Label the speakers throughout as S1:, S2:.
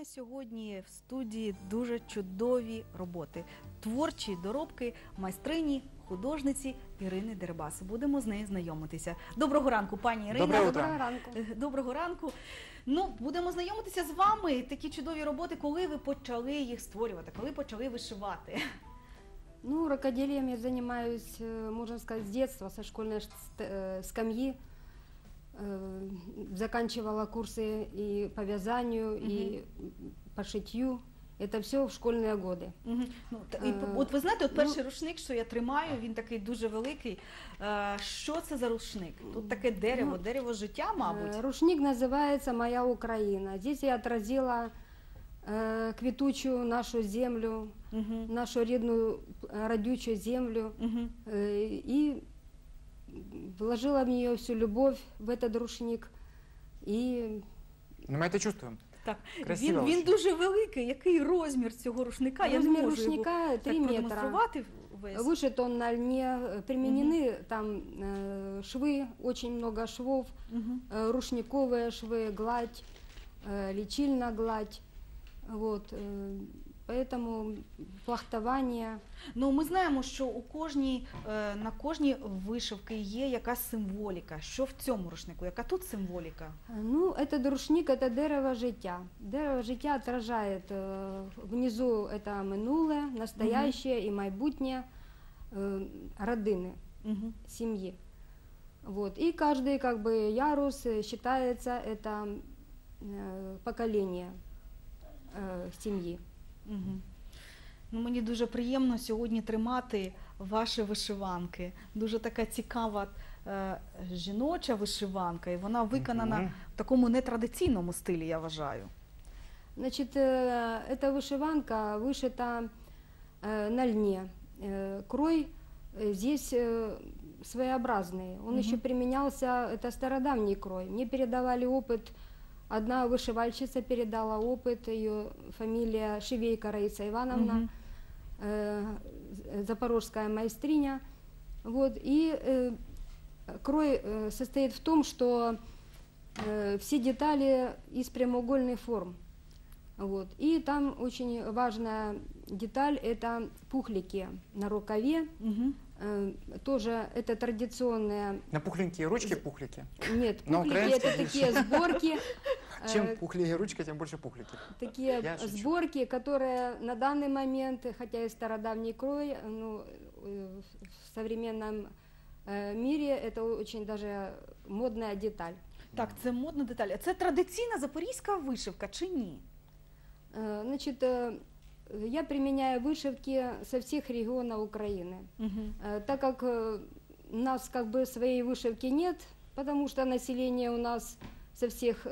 S1: мене сьогодні в студії дуже чудові роботи, творчі доробки майстрині, художниці Ірини Дерибас. Будемо з нею знайомитися. Доброго ранку, пані Ірина.
S2: Доброго ранку.
S1: Доброго ранку. Ну, будемо знайомитися з вами. Такі чудові роботи, коли ви почали їх створювати, коли почали вишивати?
S2: Ну, рукоделием я занимаюсь, можно сказать, с детства, со школьной скамьи. Заканчивала курсы и по вязанию, и по шитью. Это все в школьные годы.
S1: Ну, от ви знаєте, от перший рушник, що я тримаю, він такий дуже великий. Що це за рушник? Тут таке дерево, дерево життя, мабуть.
S2: Рушник называется «Моя Украина». Здесь я отразила квітучу нашу землю, нашу рідну родючую землю, и вложила в нее всю любовь в этот рушник. И...
S3: Ну, мы это чувствуем.
S1: Так,
S3: Красиво
S1: він дуже великий. Який розмір цього рушника? Я не
S2: Размер
S1: можу
S2: рушника
S1: його
S2: 3
S1: так
S2: метра.
S1: продемонструвати весь.
S2: Вышит он на льне, применены там швы, очень много швов, рушниковые швы, гладь, лечильная гладь. Вот, поэтому плахтование.
S1: Ну, ми знаємо, що на кожній вишивці є якась символіка. Що в цьому рушнику? Яка тут символіка?
S2: Ну, этот рушник – это дерево життя. Дерево життя отражает внизу это минуле, настоящее и майбутнее родины, семьи. Вот. И каждый как бы ярус считается это поколение сім'ї.
S1: Ну, мені дуже приємно сьогодні тримати ваші вишиванки. Дуже така цікава жіноча вишиванка, і вона виконана в такому нетрадиційному стилі, я вважаю.
S2: Значит, эта вышиванка вышита на льне. Крой здесь своеобразный. Он еще применялся, это стародавний крой. Мне передавали опыт. Одна вышивальщица передала опыт, ее фамилия Шивейко Раиса Ивановна, запорожская майстриня. Вот. И крой состоит в том, что все детали из прямоугольных форм. Вот. И там очень важная деталь – это пухлики на рукаве. Тоже это традиционные...
S3: На пухленькие ручки пухлики?
S2: Нет, пухлики – это такие сборки.
S3: Чем пухлее ручка, тем больше пухлики.
S2: Такие сборки, которые на данный момент, хотя и стародавний крой, ну, в современном мире это очень даже модная деталь.
S1: Так, це модна деталь. А це традиційна запорізька вишивка чи ні?
S2: Значит, я применяю вышивки со всех регионов Украины. Так как у нас как бы своей вышивки нет, потому что население у нас со всех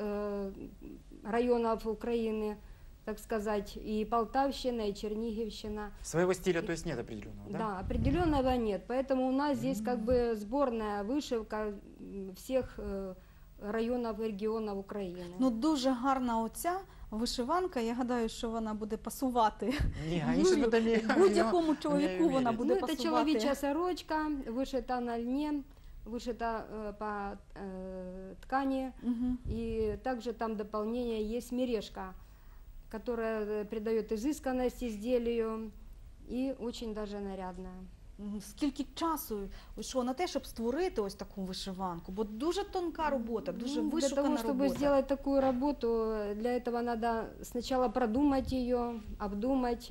S2: районов Украины, так сказать, и Полтавщина, и Черниговщина.
S3: Своего стиля, то есть, нет определенного, да?
S2: Да, определенного нет, поэтому у нас здесь как бы сборная вышивка всех районів і регіонів України.
S1: Ну, дуже гарна оця вишиванка, я гадаю, що вона буде пасувати. Будь-якому чоловіку вона буде пасувати.
S2: Це чоловіча сорочка, вишита на льні, вышита по ткани, и также там дополнение есть мережка, которая придает изысканность изделию и очень даже нарядная.
S1: Скільки часу йшло на те, щоб створити ось таку вишиванку? Бо дуже тонка робота, дуже вишукана робота.
S2: Для того, чтобы сделать такую работу, для этого надо сначала продумать ее, обдумать,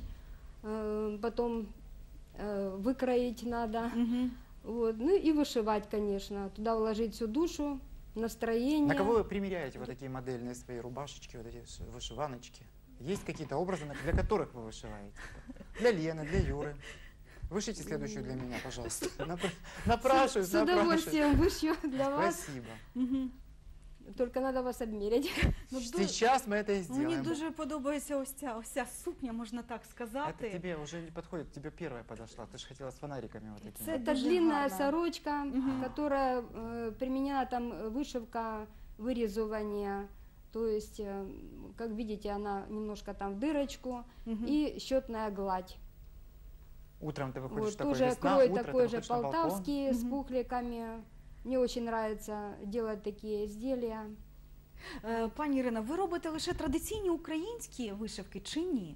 S2: потом выкроить надо. Вот. Ну и вышивать, конечно. Туда вложить всю душу, настроение.
S3: На кого вы примеряете вот такие модельные свои рубашечки, вот эти вышиваночки? Есть какие-то образы, для которых вы вышиваете? Для Лены, для Юры. Вышите следующую для меня, пожалуйста. Напрашиваюсь,
S2: с удовольствием вышью для вас.
S3: Спасибо.
S2: Только надо вас обмерять.
S3: Сейчас мы это и сделаем.
S1: Мені дуже подобається ось ця сукня, можна так сказати.
S3: Это тебе уже не подходит, тебе первая подошла. Ты же хотела с фонариками вот такими.
S2: Это длинная сорочка, которая применена там вышивка, вырезывание. То есть, как видите, она немножко там в дырочку и счетная гладь.
S3: Утром ты выходишь
S2: Вот,
S3: в такой
S2: тоже
S3: весна,
S2: крой
S3: утро
S2: такой
S3: ты
S2: же
S3: выходишь на балкон.
S2: полтавский с пухликами. Мне очень нравится делать такие изделия.
S1: Пані Ірина, ви робите лише традиційні українські вишивки чи ні?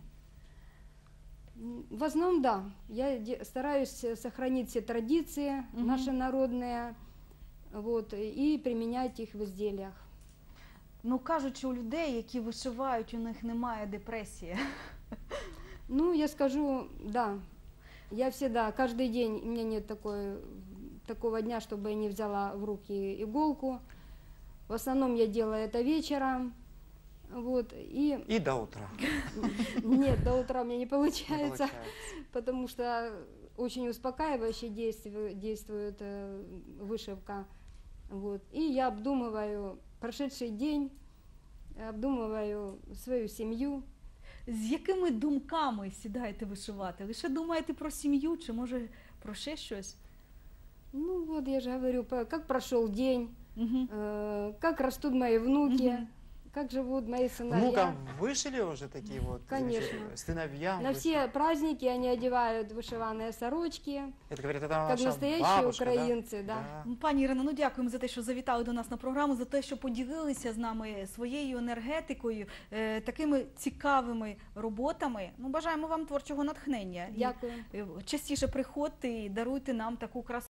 S2: В основном, да. Я стараюсь сохранить все традиции наши народные, вот, и применять их в изделиях.
S1: Ну, кажуть, що у людей, які вишивають, у них немає депресії.
S2: Ну, я скажу, да. Я всегда, каждый день, у меня нет такого дня, чтобы я не взяла в руки иголку. В основном я делаю это вечером. Вот,
S3: И до утра.
S2: Нет, до утра у меня не
S3: Не
S2: получается,
S3: получается.
S2: потому что очень успокаивающе действует вышивка. Вот. И я обдумываю прошедший день, обдумываю свою семью.
S1: З якими думками сідаєте вишивати? Лише думаєте про сім'ю чи може про ще щось?
S2: Ну вот я же говорю, как прошел день,
S1: Угу.
S2: как растут мои внуки,
S1: Мгм.
S2: как живут мои сыновья.
S3: Внукам вышили уже такие вот
S2: Конечно.
S3: сыновьям?
S2: На все праздники они одевают вышиванные сорочки,
S3: Это говорят, это
S2: как
S3: наша
S2: настоящие
S3: бабушка, да?
S2: украинцы, да.
S1: Пані Ірино, ну дякуємо за те, що завітали до нас на програму, за те, що поділилися з нами своєю енергетикою, такими цікавими роботами. Ну, бажаємо вам творчого натхнення. І,
S2: Дякую.
S1: частіше приходьте і даруйте нам таку красу.